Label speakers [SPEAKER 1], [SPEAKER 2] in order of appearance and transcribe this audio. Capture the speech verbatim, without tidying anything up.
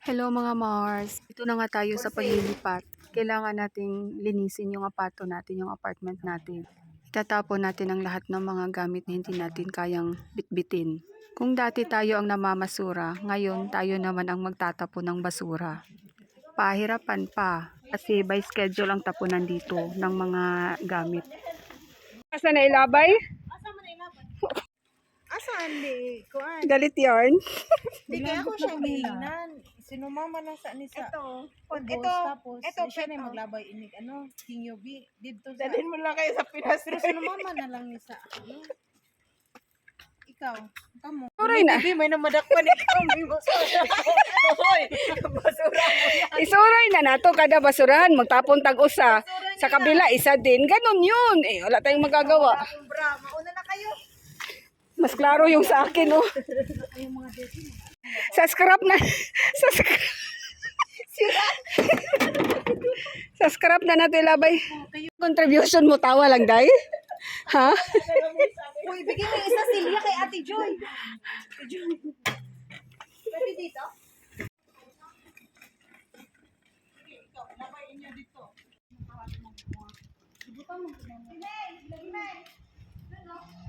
[SPEAKER 1] Hello mga Mars, ito na nga tayo sa paglilipat. Kailangan nating linisin yung apato natin, yung apartment natin. Itatapon natin ang lahat ng mga gamit na hindi natin kayang bitbitin. Kung dati tayo ang namamasura, ngayon tayo naman ang magtatapon ng basura. Pahirapan pa kasi by schedule ang tapunan dito ng mga gamit. Asa na ilabay?
[SPEAKER 2] Asaan di? Kuan.
[SPEAKER 1] Galit yarn.
[SPEAKER 2] Di kaya ako siyang giingnan. Sinumama na sa ni sa.
[SPEAKER 3] Ito.
[SPEAKER 2] Pagos,
[SPEAKER 3] Ito.
[SPEAKER 2] tapos
[SPEAKER 3] Ito,
[SPEAKER 2] siya na
[SPEAKER 3] ito.
[SPEAKER 2] yung maglabay inig ano, Kingyobi dito sa.
[SPEAKER 3] Dalhin mo lang kayo sa Pinas.
[SPEAKER 2] Pero sinumama na lang ni sa ano. Ikaw, kamo.
[SPEAKER 1] Suray na.
[SPEAKER 3] Hindi, may namadakpan ikaw. May basura. Hoy, basura mo yan.
[SPEAKER 1] Isuray na nato kada basurahan, magtapon tag-usa. Sa kabila, isa din. Ganon yun. Eh, wala tayong magagawa.
[SPEAKER 3] Bra, mauna na kayo.
[SPEAKER 1] Mas klaro yung sa akin, oh. Sa scrap na. Sa scrap. Sa scrap na natin labay. Contribution mo, tawa lang, day. Ha?
[SPEAKER 3] Uy, bigyan mo yung isa silya kay Ate Joy. Ate Joy. Pwede dito? Ikaw, labayin niyo dito. Ibutan mo. Sinay, lagi na. Ano?